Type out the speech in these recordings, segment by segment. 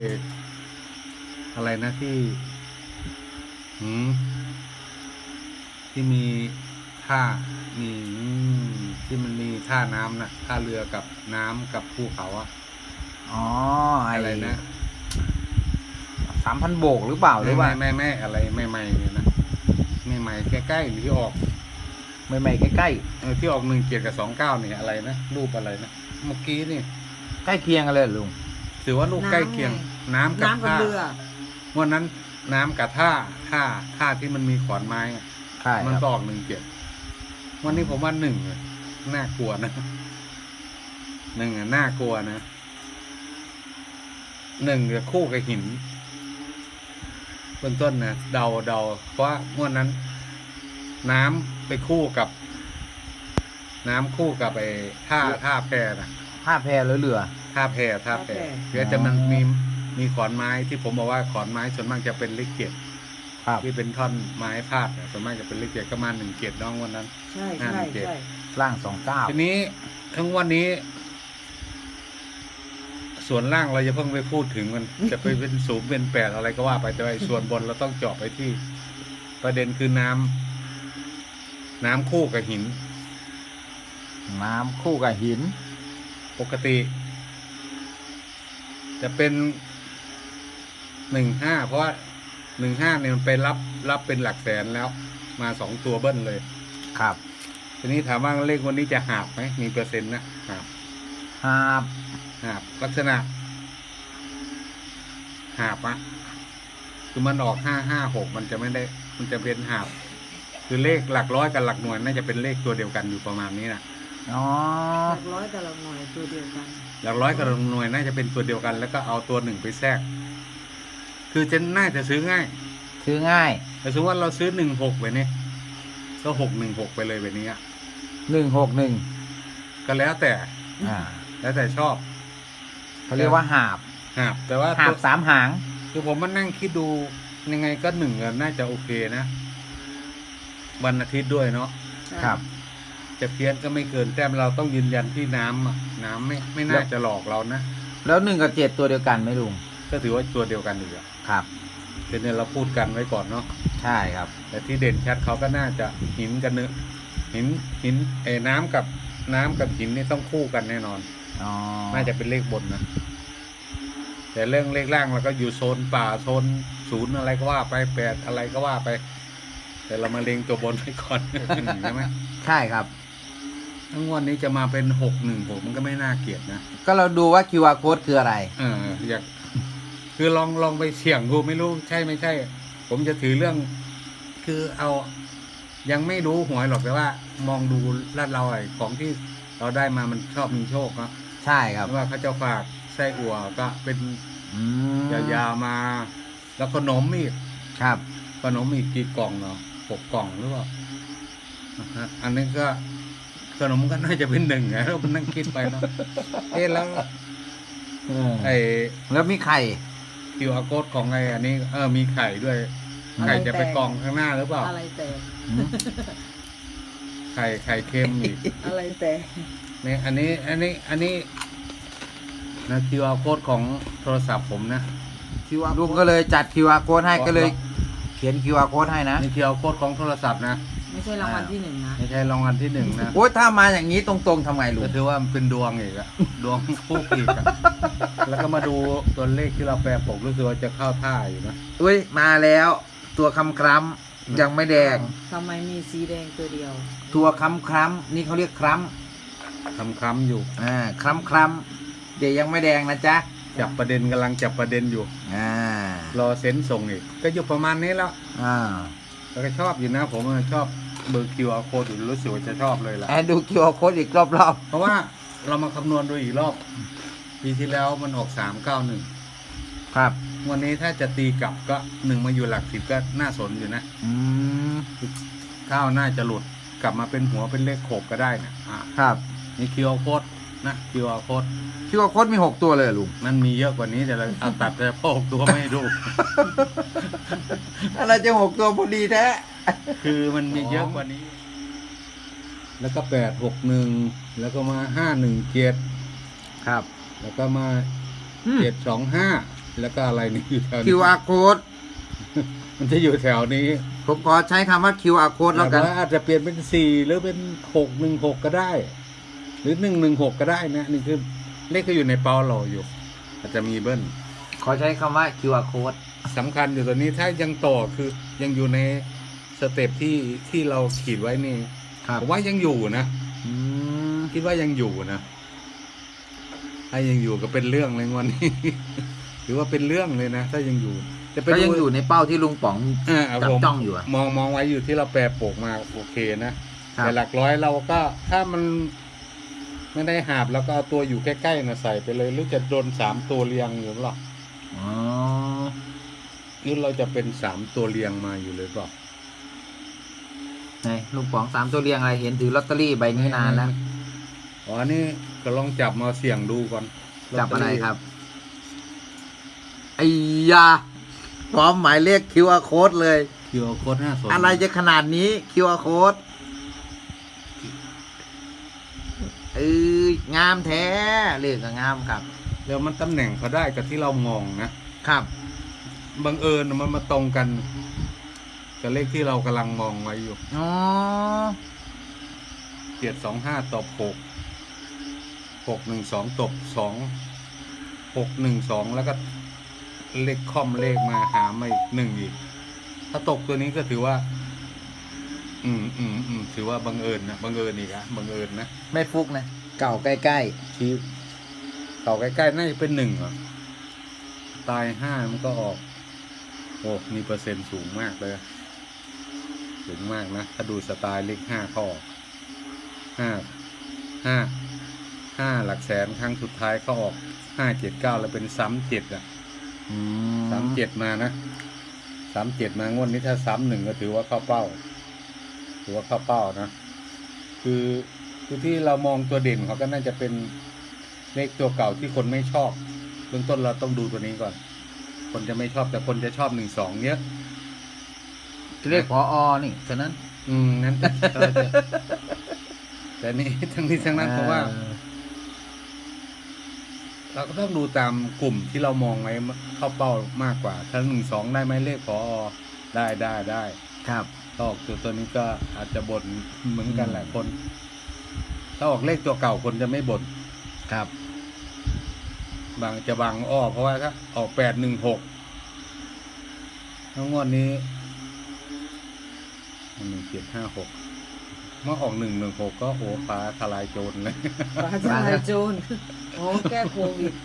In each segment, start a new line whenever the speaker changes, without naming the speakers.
เอ่ออะไรนะหืมที่มีท่ามีที่มันมีท่าน้ำนะท่าเรือกับน้ำกับภูเขาอะ
อ๋อ
อะไรนะ
3,000 โบกหรือเปล่าหรือว่า
ไม่อะไรไม่ใหม่เนี่ยนะไม่ใหม่ใกล้ๆที่ออก
ใหม่ๆใกล้
ที่ออก17 กับ 29เนี่ยอะไรนะรูปอะไรนะเมื่อกี้นี่
ๆใกล้เคียงกันเลยลุง
ถือว่ารูปใกล้เคียงน้ำกับ
น้ำกับ
ท่า
เรือ
วันนั้นน้ำกับท่าที่มันมีขอนไม้อะ
ใช่
มัน
ครับ
ก็ออกวันนี้ผมว่า1น่ากลัวนะน่ากลัวนะจะคู่กับหินเบื้องต้นนะเดาเพราะงวดนั้น น้ำไปคู่กับน้ำคู่กับไอ้ท่าแพนะ
ผ้าแพหรือเรือ
ท่าแพเดี๋ยวจะมันมีขอนไม้ที่ผมบอกว่าขอนไม้ส่วนมากจะเป็นเลข7
ครับ
ที่เป็นท่อนไม้พาดส่วนมากจะเป็นเลข7ก็มา17น้องวันนั้น
ใช่
ล่าง29
ทีนี้ทั้งวันนี้ ส่วนล่างเราจะเพิ่งไปพูดถึงมันจะไปเป็น0เป็น8อะไรก็ว่าไปแต่ว่าส่วนบนเราต้องเจาะไปที่ ประเด็นคือน้ำคู่กับหิน
น้ำคู่กับหิน
ปกติ จะเป็น15เพราะว่า15เนี่ยมันไปรับเป็นหลักแสนแล้ว มา2ตัวเบิ้ลเลย
ครับ
ทีนี้ถามว่าเลขวันนี้จะหาบไหมมีเปอร์เซ็นต์นะหาบลักษณะหาบอะคือมันออก556มันจะไม่ได้มันจะเป็นหาบคือเลขหลักร้อยกับหลักหน่วยน่าจะเป็นเลขตัวเดียวกันอยู่ประมาณนี้นะ
อ๋อ
หลักร้อยกับหลักหน่วยตัวเดียวกัน
หลักร้อยกับหลักหน่วยน่าจะเป็นตัวเดียวกัน แล้วก็เอาตัว1ไปแทรกคือจะน่าจะซื้อง่ายแต่สมมติว่าเราซื้อ16ไปเนี่ยก็616ไปเลยแบบนี้
161
ก็แล้วแต่ชอบ
เขาเรียกว่าหาบ
แต่ว่า
หาบ3 หาง
คือผมมานั่งคิดดูยังไงก็น่าจะโอเคนะวันอาทิตย์ด้วยเนาะ
ครับ
จะเพี้ยนก็ไม่เกินแต้มเราต้องยืนยันที่น้ำไม่น่าจะหลอกเรานะ
แล้ว1กับ7ตัวเดียวกันไหมลุง
ก็ถือว่าตัวเดียวกันอยู่
ครับ
เดี๋ยวเราพูดกันไว้ก่อนเนาะ
ใช่ครับ
แต่ที่เด่นชัดเขาก็น่าจะหินกันเนื้อหินน้ำกับหินนี่ต้องคู่กันแน่นอนน่าจะเป็นเลขบนนะแต่เรื่องเลขล่างเราก็อยู่โซนป่าโซน0อะไรก็ว่าไป8อะไรก็ว่าไปแต่เรามาเล็งตัวบนไว้ก่อนใช่ไหม
ใช่ครับ
ทั้งวันนี้จะมาเป็น616มันก็ไม่น่าเกลียดนะ
ก็เราดูว่า QR code คืออะไร
อยากคือลองไปเสี่ยงดูไม่รู้ใช่ไม่ใช่ผมจะถือเรื่องคือเอายังไม่รู้หวยหรอกแต่ว่ามองดูลาดเราของที่เราได้มามันชอบมีโชคเนาะ
ใช่ครับ
ว่าเขาจะฝากไส้อั่วก็เป็นยาวๆมาแล้วขนมอีก
ครับ
ขนมอีกกี่กล่องเนาะ6 กล่องหรือเปล่าอันนี้ก็ขนมก็น่าจะเป็น1ไงเรานั่งคิดไปเนาะแล้ว
แล้วมีไข่
QR code ของอันนี้มีไข่ด้วยไข่จะไปกองข้างหน้าหรือเปล่า
อะไรแต่
ไข่เค็มอีก
อะไรแต่
เนี่ยอันนี้นะ QR code ของโทรศัพท์ผมนะ
ลุงก็เลยจัด QR code ให้ก็เลยเขียน QR code ให้นะ
นี่ QR code ของโทรศัพท์นะ
ไม่ใช่รางวัลที่1นะ
ไม่ใช่รางวัลที่1นะ
โอ้ยถ้ามาอย่างนี้ตรงๆทำไงลุง
ก็ถือว่าเป็นดวงอีกอะดวงคู่อีกอะแล้วก็มาดูตัวเลขที่เราแปลปกรู้สึกว่าจะเข้าท่าอยู่นะ
อุ้ยมาแล้วตัวคำยังไม่แดง
ทำไมมีสีแดงตัวเดียว
ตัวคำนี่เขาเรียกคล้
ำอยู่
คล้ำเดี๋ยวยังไม่แดงนะจ๊ะ
จับประเด็นกำลังจับประเด็นอยู่รอเซ็นส่งอีกก็อยู่ประมาณนี้แล้วแล้วก็ชอบอยู่นะผมชอบเบอร์ QR code อยู่รู้สึกว่าจะชอบเลยล่ะ
ดู QR code อีกรอบ
เพราะว่าเรามาคำนวณดูอีกรอบปีที่แล้วมันออก391
ครับ
วันนี้ถ้าจะตีกลับก็1มาอยู่หลัก10ก็น่าสนอยู่นะข้าวน่าจะหลุดกลับมาเป็นหัวเป็นเลขโขบก็ได้นะครับนี่ QR code นะ QR code
มี6ตัวเลยลุง
มันมีเยอะกว่านี้แต่เราเอาตัดแต่พอ6ตัวไม่ดู
อะไรจะ6ตัวพอดีแท้
คือมันมีเยอะกว่านี้แล้วก็861แล้วก็มา517
ครับ
แล้วก็มา725 แล้วก็อะไรนี่อยู่แถวนี้
QR code
มันจะอยู่แถวนี้
ผมขอใช้คำว่า QR code แล้วกัน
ต่าอาจจะเปลี่ยนเป็น4หรือเป็น616ก็ได้ หรือ116ก็ได้นะนี่คือเลขก็อยู่ในเป้าเราอยู่ อาจจะมีเบิ้ล
ขอใช้คำว่า QR code
สำคัญอยู่ตัวนี้ถ้ายังต่อคือยังอยู่ในสเต็ปที่เราขีดไว้นี่
ครับ
ผมว่ายังอยู่นะ
อืม
คิดว่ายังอยู่นะถ้ายังอยู่ก็เป็นเรื่องเลยวันนี้ ถือว่าเป็นเรื่องเลยนะถ้ายังอยู่จะเป็น
ก็ยังอยู่ในเป้าที่ลุงป๋อง จับ
ผม
จ้องอยู่อะ
มองไว้อยู่ที่เราแปรโปกมาโอเคนะ
ครับ
แต่หลักร้อยเราก็ถ้ามันไม่ได้หาบแล้วก็เอาตัวอยู่ใกล้ๆนะใส่ไปเลยหรือจะโดน3ตัวเรียงอยู่หรอ
อ๋อ
หรือเราจะเป็น3ตัวเรียงมาอยู่เลยเปล่า
ไหนลุงป๋อง3ตัวเรียงอะไรเห็นถือลอตเตอรี่ใบนี้นานแล้ว
อ๋อนี่ก็ลองจับมาเสี่ยงดูก่อน
จับอะไรครับไอ้ยาพร้อมหมายเลข QR code เลย
คิวโค้ดหน้าสน
อะไรจะขนาดนี้ QR code งามแท้เลขก็งามครับ
แล้วมันตำแหน่งเขาได้กับที่เรามองนะครับ บังเอิญมันมาตรงกันกับเลขที่เรากำลังมองไว้อยู่
อ๋อ
725ตบ612ตบ2612แล้วก็เลขค่อมเลขมาหามาอีก1อีกถ้าตกตัวนี้ก็ถือว่า ถือว่าบังเอิญนะบังเอิญอีกอะบังเอิญนะ
ไม่ฟุกนะ เก่าใกล้
ชี้ต่อใกล้ๆน่าจะเป็น1อ่ะตาย5มันก็ออกโอ้มีเปอร์เซ็นต์สูงมากเลยสูงมากนะถ้าดูสไตล์เลข5ข้อ5หลักแสนครั้งสุดท้ายเขาออก579แล้วเป็น37อ่ะ
ๆอื
37มานะ37มางวดนี้ถ้า31ก็ถือว่าเข้าเป้าถือว่าเข้าเป้านะคือที่เรามองตัวเด่นเขาก็น่าจะเป็นเลขตัวเก่าที่คนไม่ชอบเบื้องต้นเราต้องดูตัวนี้ก่อน คนจะไม่ชอบแต่คนจะชอบ12เยอะ
เลขผอนี่ฉะนั้น
นั้นแต่นี่ทั้งนี้ทั้งนั้นเพราะว่า เราก็ต้องดูตามกลุ่มที่เรามองไว้เข้าเป้ามากกว่า ถ้า12ได้ไหมเลขพอได้
ครับ
ถ้าออกตัวนี้ก็อาจจะบ่นเหมือนกันแหละคน ถ้าออกเลขตัวเก่าคนจะไม่บ่น
ครับ
บางอ้อเพราะว่าถ้าออก816ทั้งงวดนี้1756เมื่อออก116ก็โอ้ฟ้าทลายโจรเลย
ปลาจายโจรโอ้แก้โควิด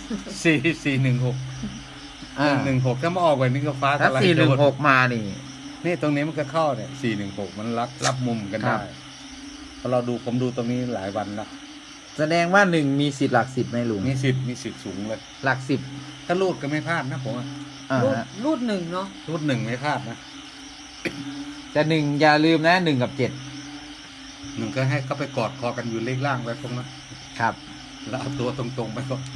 416 116ถ้ามาออกแบบนี้ก็ฟ้าท
ถ้า
ลายโจร
416มานี่
นี่ตรงนี้มันก็เข้าเนี่ย416มันรับมุมกัน
ครั
ได้
บ
พอเราดูผมดูตรงนี้หลายวันแล้ว
แสดงว่า1มีสิทธิ์หลัก10ไหมลุง
มีสิทธิ์สูงเลย
หลัก10
ถ้ารูดก็ไม่พลาดนะผมว่า
รูด
ฮะ
รูดหนึ่งเนาะ
รูด1ไม่พลาดนะ
แต่1อย่าลืมนะ1กับ7
1ก็ให้เขาไปกอดคอกันอยู่เลขล่างไว้ตรงนั้น
ครับ
แล้วเอาตัวตรงๆไปก่อน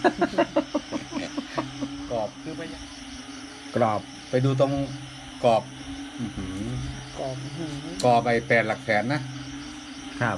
กรอบคือไป
กรอบ
ไปดูตรงกรอบอื้อหือก
รอบหู
กรอบไป8หลักแสนนะครับ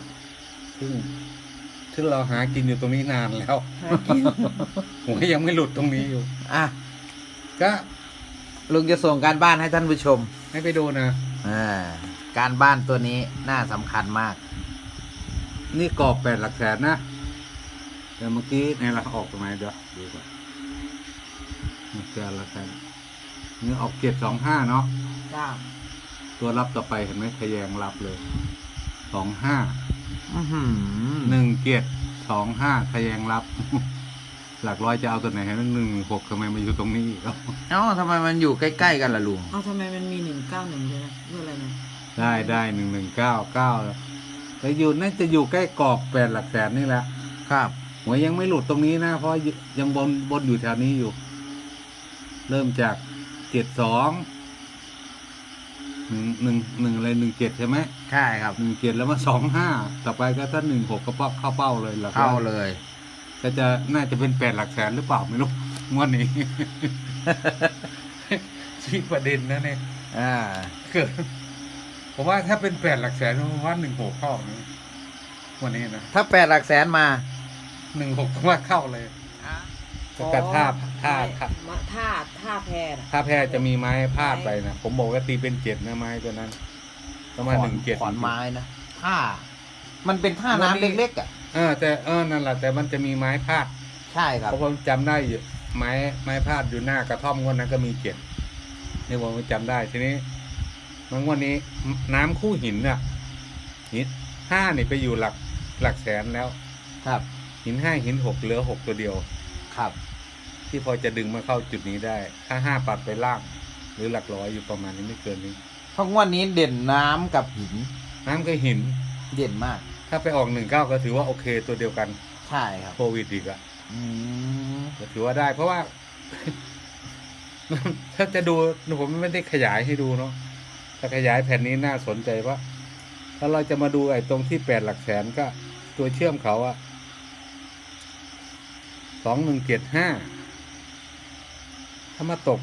ซึ่งเราหากินอยู่ตรงนี้นานแล้ว
หากิน
ผมก็ยังไม่หลุดตรงนี้อยู่
อ่ะ
ก็
ลุงจะส่งการบ้านให้ท่านผู้ชม
ให้ไปดูนะ
การบ้านตัวนี้น่าสำคัญมาก
นี่กรอบ8หลักแสนนะแต่เมื่อกี้ในเราออกตรงไหนเดี๋ยวดูก่อนนี่8หลักแสนนี่ออก725เนาะ
จ้า
ตัวรับต่อไปเห็นไหมทะแยงรับเลย25
อื้อหือ
1725ทะแยงรับ หลักร้อยจะเอาตัวไหนให้116ทำไมมาอยู่ตรงนี้อีก
เอ้าทำไมมันอยู่ใกล้ๆกันล่ะลุง
เอาทำไมมันมี191ด้วยนะเรื่องอะไรนะ
ได้1199แล้วอยู่น่าจะอยู่ใกล้กรอบ8หลักแสนนี่แหละ
ครับ
หัวยังไม่หลุดตรงนี้นะเพราะยังบนอยู่แถวนี้อยู่ เริ่มจาก72 1อะไร17ใช่ไหม
ใช่ครับ
17แล้วมา25ต่อไปก็ถ้า16ก็เข้าเป้าเลยหลักร้
เข้า
อย
เลย
ก็จะน่าจะเป็น8หลักแสนหรือเปล่าไม่รู้งวดนี้ ชี้ประเด็นนะเนี่ย เกิดผมว่าถ้าเป็น8หลักแสนผมว่า16เข้านะวันนี้นะ
ถ้า8หลักแสนมา
16ผมว่าเข้าเลย
อ๋อ
แต่ถ้าถ้า
ท่าแพน่ะ
ถ้าแพ้จะมีไม้พาดไปนะผมบอกว่าตีเป็นเจ็ดนะไม้ตัวนั้นประมาณ1-7
ขอนไม้นะท่ามันเป็นท่าน้ำเล็กๆอ่ะ
แต่นั่นแหละแต่มันจะมีไม้พาด
ใช่ครับ
เพราะผมจำได้อยู่ไม้พาดอยู่หน้ากระท่อมงวดนั้นก็มีเจ็ดนี่ผมจำได้ทีนี้มันวันนี้น้ำคู่หินอ่ะหิน5นี่ไปอยู่หลักแสนแล้ว
ครับ
หิน5หิน6เหลือ6ตัวเดียว
ครับ
ที่พอจะดึงมาเข้าจุดนี้ได้ ถ้า5ปัดไปล่าง หรือหลักร้อยอยู่ประมาณนี้ไม่เกินนี้
เพราะงวันนี้เด่นน้ำกับหิน
น้ำกับหิน
เด่นมาก
ถ้าไปออก19ก็ถือว่าโอเคตัวเดียวกัน
ใช่ครับ
โควิดอีกอะ
อืม
ก็ถือว่าได้ เพราะว่า ถ้าจะดูผมไม่ได้ขยายให้ดูเนาะถ้าขยายแผ่นนี้น่าสนใจว่าถ้าเราจะมาดูไอ้ตรงที่8หลักแสนก็ ตัวเชื่อมเขาอะ2175ถ้ามาตก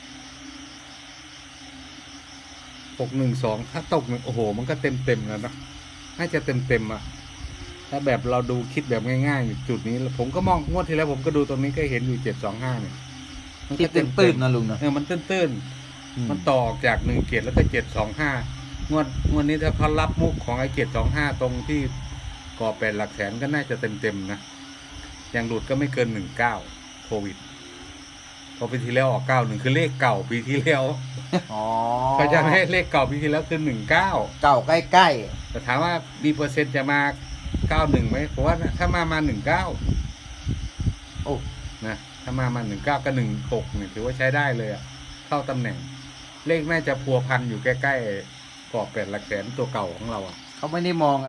612ถ้าตกโอ้โหมันก็เต็มแล้วนะน่าจะเต็มอะถ้าแบบเราดูคิดแบบง่ายๆอยู่จุดนี้ผมก็มองงวดที่แล้วผมก็ดูตรงนี้ก็เห็นอยู่725เนี่ยมัน
ที่
ก็
ตื้นๆนะลุงนะ
มันตื้น
อืม
มันต่อออกจาก17แล้วก็725งวดนี้ถ้าเขารับมุกของไอ้725ตรงที่ก่อ8หลักแสนก็น่าจะเต็มนะอย่างหลุดก็ไม่เกิน19โควิดพอปีที่แล้วออก91คือเลขเก่าปีที่แล้ว
อ๋อ
เขาจะให้เลขเก่าปีที่แล้วคือ19
เก่าใกล้
แต่ถามว่ามีเปอร์เซ็นต์จะมา91ไหมผมว่าถ้ามา19
ๆ โอ้
นะถ้ามา19กับ16เนี่ยถือว่าใช้ได้เลยอะเข้าตำแหน่ง เลขน่าจะพัวพันอยู่ใกล้ๆกรอบ8หลักแสนตัวเก่าของเราอะ
เขาไม่ได้มอง